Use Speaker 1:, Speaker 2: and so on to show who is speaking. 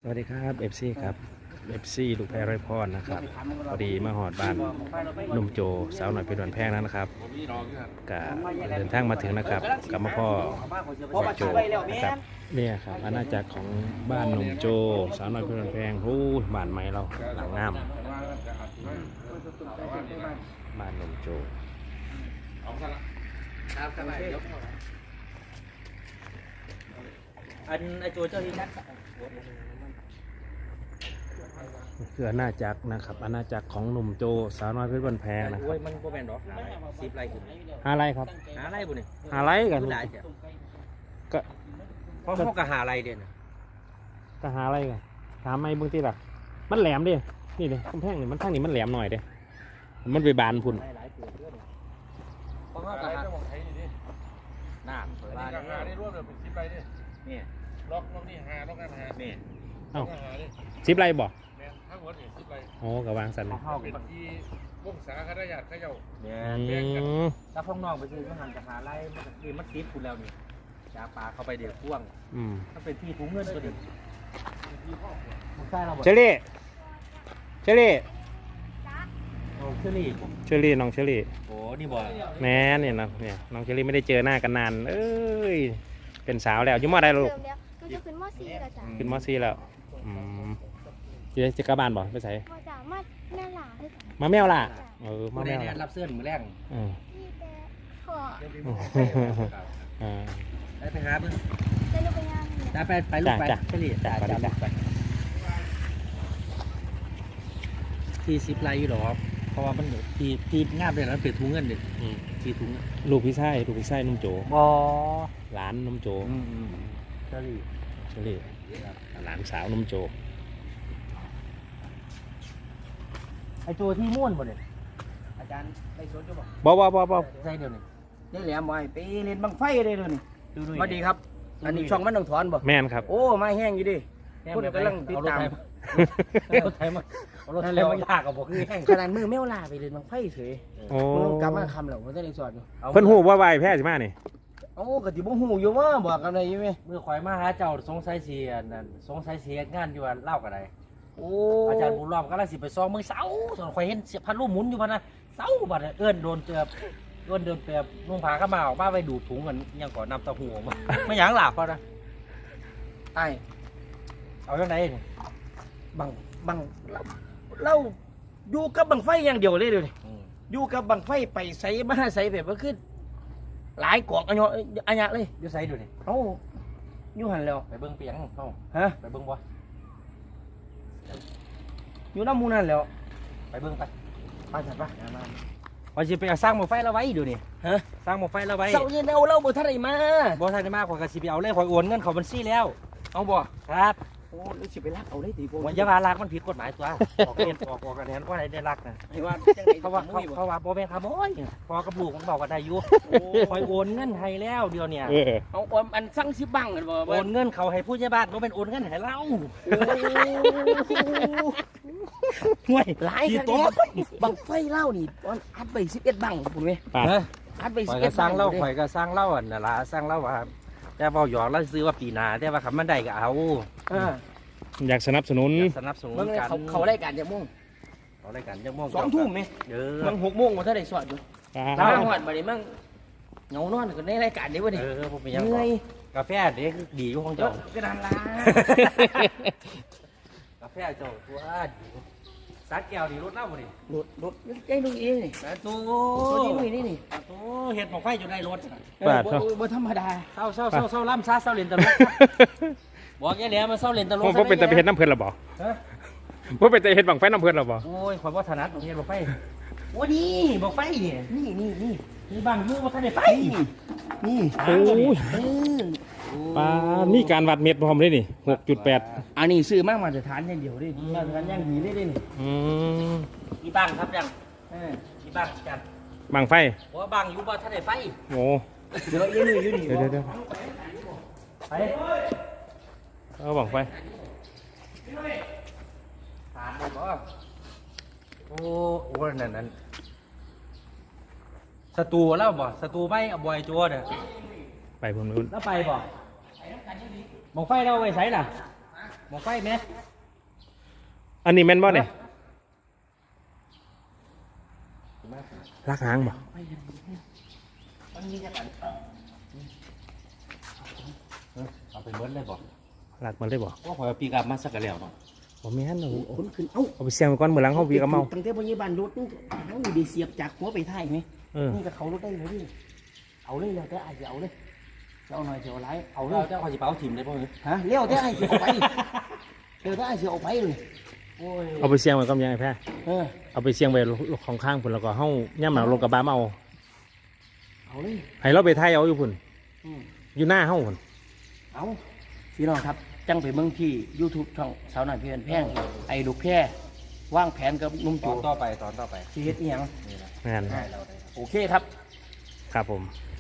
Speaker 1: วัสดีครับเอฟซีครับเอฟซีลูกแพรไรพรนะครับพอดีมาหอดบ้านนุ่มโจสาวหน่อยเป็นวันแพงแล้วนะครับกะเดินทางมาถึงนะครับกับมาพ่อโจนะครับเนี่ยครับอาณาจักรของบ้านนุ่มโจสาวหน่อยเป็นวันแพงหูบ้านใหม่เราหลังงามบ้านนุ่มโจ
Speaker 2: อันไอโจเจ้าที่นัก
Speaker 1: คืออาณาจักรนะครับอาณาจักรของหนุ่มโจสาวน้อยเพชรบันแพงนะค
Speaker 2: โอ้
Speaker 1: รั
Speaker 2: ย
Speaker 1: บ
Speaker 2: มันก็แม่นดอก10 ไร่ขึ้น
Speaker 1: หาไรครับ
Speaker 2: หาไร่บุนี่
Speaker 1: หาไรกัน
Speaker 2: หลายเจ้ะ
Speaker 1: ก็
Speaker 2: เพราะเขาก็หาไร่เด่น
Speaker 1: ก็หาไรกันถามไม่เบื้องที่ล่ะมันแหลมดินี่เลยกำแพงนี่มันทางนี้มันแหลมหน่อยเด้มันไปบานพุ่น
Speaker 2: หลายเกิดเรื่องเพราะเขาก็หาน้ำเปิดบ้าน
Speaker 3: หาได้รวบเลยเป็น10 ไร่ดิ
Speaker 2: นี่
Speaker 3: ล็อกนี่หาล็อกนั่นหา
Speaker 2: นี่
Speaker 1: เอ้า
Speaker 3: หาดิ
Speaker 1: 10 ไรบ่
Speaker 3: แม่นทั้งหมดนี่10 ไร่
Speaker 1: โอ้กะวางสันเลย
Speaker 2: เข้า
Speaker 3: เป็นที่วงศาคณะญาติเขาเจ้า
Speaker 2: เนี่ย
Speaker 1: ม
Speaker 2: ถ้าพ้องน้องไปซื้อมันหันจะหาไร่มันจะคือมัดติดคุณแล้วนี่จาปลาเข้าไปเดี๋ยวพ่วง
Speaker 1: อืม
Speaker 2: ถ้าเป็นที่ถุงเงินก็ดีมันใช่เราหมด
Speaker 1: เชอรี่เชอรี่
Speaker 2: โอ้เชอรี่
Speaker 1: เชอรี่น้องเชอรี่
Speaker 2: โอ้นี่บ่
Speaker 1: แม่เนี่ยนะเนี่ยน้องเชอรี่ไม่ได้เจอหน้ากันนานเอ้ยเป็นสาวแล้วอยุ่มอได้แล้วลูก
Speaker 4: เดี๋ยวหนูจะขึ้นม .4 แล้วจ้ะ
Speaker 1: ขึ้นมอซี่แล้วอืมจะกลับบ้านบ่ไปใส่
Speaker 4: พอจ้ะมาแม่หลาให้จ้ะ
Speaker 1: มาแมวล่ะมา
Speaker 2: มา
Speaker 1: แม
Speaker 2: ได้
Speaker 1: ว
Speaker 2: เนี่ย
Speaker 1: ล่ะ
Speaker 2: รับเสื้อมือแรง
Speaker 1: อืม
Speaker 4: พี่แต่ขอ
Speaker 1: อ่า
Speaker 2: ได้ไปหาเพิ่ง
Speaker 4: จะลูกไปงานนี่
Speaker 2: ได้ไปลูกไป
Speaker 1: จ้ะ
Speaker 2: เฉลี่ย
Speaker 1: จ้ะไปจ้ะ
Speaker 2: ที่10 ไร่อยู่หรอเพราะว่ามันที่งามเลยนะเป็นถุงเงินเด็ก
Speaker 1: อืม
Speaker 2: ที่ถุง
Speaker 1: ลูกพี่ชายนุ่มโจ
Speaker 2: บ่
Speaker 1: หลานนุ่มโจ
Speaker 2: เฉลี่ย
Speaker 1: เชอรี่หลานสาวนุ่มโจ
Speaker 2: ไอตัวที่ม่วนบ่เนี่ยอาจารย์ไปสวนจะบอก
Speaker 1: บ่
Speaker 2: ใช่เดี๋ยวนี้
Speaker 5: ได้แหลมบ่อยไปเล่นบังไฟได้เลยนี่
Speaker 2: ดู
Speaker 5: สวัสดีครับ อันนี้ช่องมันต้องถอนบ่
Speaker 1: แม่นครับ
Speaker 5: โอ้มาแห้งอยู่ดิพูดกำลังติดตาม
Speaker 2: เอารถไทยมาเอารถไทยมายากกับบอกคือแห้ง
Speaker 5: ขนาดมือแมวลาไปเล่นบังไฟเฉย
Speaker 1: โอ้
Speaker 5: มึงกลับมาคำแล้วมันจะได้สอนอยู่
Speaker 1: เพิ่นฮู้ว่าไหวแพ้สิมานี่
Speaker 5: โอ้กะติบ่ฮู้อยู่ว่าบอกกันได้อยู่ไหม
Speaker 2: เมื่อข่อยมาหาเจ้าสงสัยเสียนั่นสงสัยเสียงานอยู่อันเล่ากันได
Speaker 5: โอ้
Speaker 2: อาจารย์บุญรอมก็เลยสิไปซ้อมมือเสาส่วนข่อยเห็นเสียพันลูกหมุนอยู่พันนะเสาบัดเอิ้นโดนเตือบเอิ้นเดินเตือบนุ่งผ้าเข้ามาออกมาไปดูดถุงกันยังก่อนนำเตะหูออกมาไม่หยังหลับพอนะ
Speaker 5: ไอ้
Speaker 2: เอาจังไดนี่
Speaker 5: บังเราอยู่กับบังไฟอย่างเดียวเลยเดี๋ยวนี้อยู่กับบังไฟไปใส่มาใส่แบบว่าคือหลายกอกอันยะเลย
Speaker 2: อยู่ไสดูนี่
Speaker 5: เอ้าอยู่หันแล้ว
Speaker 2: ไปเบิ่งเปียงเฮา
Speaker 5: ฮะ
Speaker 2: ไปเบิ่งบ่
Speaker 5: อยู่น้ำมูนั่นแล้ว
Speaker 2: ไปเบิ่งไป
Speaker 5: ไปจัดปะ
Speaker 2: ว่าสิไปสร้างหม้อไฟละไว้ดูนี่
Speaker 5: ฮะ
Speaker 2: สร้างหม้อไฟละไว้
Speaker 5: เสาเย็นเอาเราบ่ทันได้มา
Speaker 2: บ่ทันได้มากข่อยก็สิไปเอาเลยข่อยโอนเงินเข้าบัญชีแล้ว
Speaker 5: เอาบ่
Speaker 2: ครับ
Speaker 5: โอ้รู้สิไปลักเอาได้ตีโพ
Speaker 2: ว่าอย่าว่ารักมันผิดกฎหมายตัวออกเรียนออกกันแทนว่าไหนได้รักนะ
Speaker 5: ให้ว่าจังได๋
Speaker 2: เขาว่าเขาว่าบ่แม่นขโมยพอกับลูกมันบอกกันได้อยู่ข่อยโอนเงินให้แล้วเดี๋ยวเนี่ย
Speaker 5: เอาออมอันสั่งสิบังกันบ่
Speaker 2: โอนเงินเขาให้ผู้ใหญ่บ้านบ่เป็นโอนเงินให้เราห่วย
Speaker 5: หลาย
Speaker 2: กี่
Speaker 5: คัน
Speaker 2: ตัว
Speaker 5: บังไฟเล่านี่ตอนอัดไป11บังพุ่นเว้ย
Speaker 1: ปาด
Speaker 2: ฮะ
Speaker 5: อัดไป
Speaker 2: ข่อย
Speaker 5: 11
Speaker 2: ก็สร้างเล่า
Speaker 5: บั
Speaker 2: ข่อยก็สร้างเล่าอันน่ะล่ะสร้างเล่าว่าแต่เว้าหยอกแล้วซื้อว่าปีหน้าแต่ว่าคันมันได้ก็เอา
Speaker 1: อยากสนับสนุน
Speaker 2: สนับสนุน
Speaker 5: เบิ่งเลย
Speaker 2: กัน
Speaker 5: เขารายการจักโมง
Speaker 2: เขารายการจังม่วง
Speaker 5: 2 ทุ่มแม่
Speaker 2: เออ
Speaker 5: มัน6โมงบ่ทันได้สอดอยู่
Speaker 1: ปา
Speaker 5: แล้ว
Speaker 1: ด
Speaker 5: ฮอดบัดนี้มั่งเหงานอนกันในรายการนี้บ่นี่
Speaker 2: ผมเป็นยัง
Speaker 5: เหนื่อย
Speaker 2: กาแฟเด็กดีอยู่ของ
Speaker 5: เจ้า
Speaker 2: เจ้า
Speaker 5: กระดานลาก
Speaker 2: าแฟเจ้าตัวดีสักแก้วนี่รถเล่าบ่นี่
Speaker 5: รถใจดูเองนี่
Speaker 2: แต่ตัว
Speaker 5: ตัวนี้นี่นี่
Speaker 2: ตัวเฮ็ดหมอกไฟอยู่ในรถ
Speaker 1: ปาด
Speaker 5: บ่ธรรมดา
Speaker 2: เศร้าล่ำซาเศร้าเล่นตลกบอกแย่แล้วมาเศร้าเล่นตลก
Speaker 1: ผมเป็นแต่ไปเฮ็ดน้ำเพิ่นหรอบ่
Speaker 2: ฮะ
Speaker 1: ผมเป็นแต่เฮ็ดบังไฟน้ำเพิ่นหรอบ่
Speaker 2: โอ้ยข่อยบ่ถนัดเฮ็ดหมอกไฟโอ้นี่หมอกไฟนี่นี่บางอยู่บ่ทันได้ไฟนี่
Speaker 1: โอ้ยปาดนี่การวัดเม็ดพร้อมเลยนี่ 6.8
Speaker 5: อันนี้ซื้อมากมาตรฐานอย่างเดียวดิมาตรฐานอย่างดีได้ดิ
Speaker 1: อืม
Speaker 2: มีบ้างครับยังมีบ้างจัด
Speaker 1: บังไฟ
Speaker 2: เพราะว่าบางอยู่บ่ทันได้ไฟ
Speaker 1: โอ้
Speaker 5: เดี๋ยวยืนอยู่นี่
Speaker 1: เดี๋ยว
Speaker 2: ไป
Speaker 1: เอาบังไฟ
Speaker 2: ถามเลยบ่โอ้โหนั่นสตูแล้วบ่สตูไม่เอาบอยจัวเนี่ย
Speaker 1: ไปพุ่นนู้น
Speaker 2: แล้วไปบ่มองไฟเราไว้ใส่ล่ะหมองไฟไหม
Speaker 1: อันนี้แม่นบ่เนี่ยลากหางบ่
Speaker 2: มันมีจักอันเอาไปเบิดเลยบ่
Speaker 1: ลากมันได้บ่
Speaker 2: ว่าพอปีกับมาสักกะแล้วเนาะ
Speaker 1: บ่แม่นเอา
Speaker 5: คนขึ้นเอ้า
Speaker 1: เอาไปเสี่ยงไปก่อนมื้อหลังเฮาวีกับเมา
Speaker 5: ตั้งแต่พยาบาลรถนี่เฮาดีเสียบจากหัวไปท้ายไหม
Speaker 1: เออ
Speaker 5: นี่ก็เขารถได้เลยดิเอาเลยแล้วแต่ไอ้จะเอาเลยจะเอาหน่อยจะเอาหลายเอาเล
Speaker 2: เรา
Speaker 5: ย
Speaker 2: เจ้าขอสิเป้าถิ่มเลยบ่เอ้ย
Speaker 5: ฮะเลี้ยวแต่ไอ้จะเอาไปเดี๋ยวแต่ไอ้จะเอาไปเลย
Speaker 2: โอ้ย
Speaker 1: เอาไปเสี่ยงไว้ก่อนยังไงแพ้
Speaker 5: เออ
Speaker 1: เอาไปเสี่ยงไว้ของข้างพุ่นแล้วก็เฮาย่ำหนาวลงกระบะมาเอา
Speaker 5: เอาเลย
Speaker 1: ให้เราไปไทยเอาอยู่พุ่น
Speaker 5: อืม
Speaker 1: อยู่หน้าเฮาพุ่น
Speaker 5: เอาพี่น้องครับจังไปเมืองที่ YouTube ช่องสาวหน่อยเพื่อนแพงไอ้ลูกแพร่วางแผนกับนุ่ม
Speaker 2: ต
Speaker 5: โจ
Speaker 2: อนต่อไปตอนต่อไป
Speaker 5: สิเฮ็ดอีหยัง
Speaker 1: แม่น
Speaker 2: ให้เราได้
Speaker 5: โอเคครับ
Speaker 1: ครับผม
Speaker 5: ค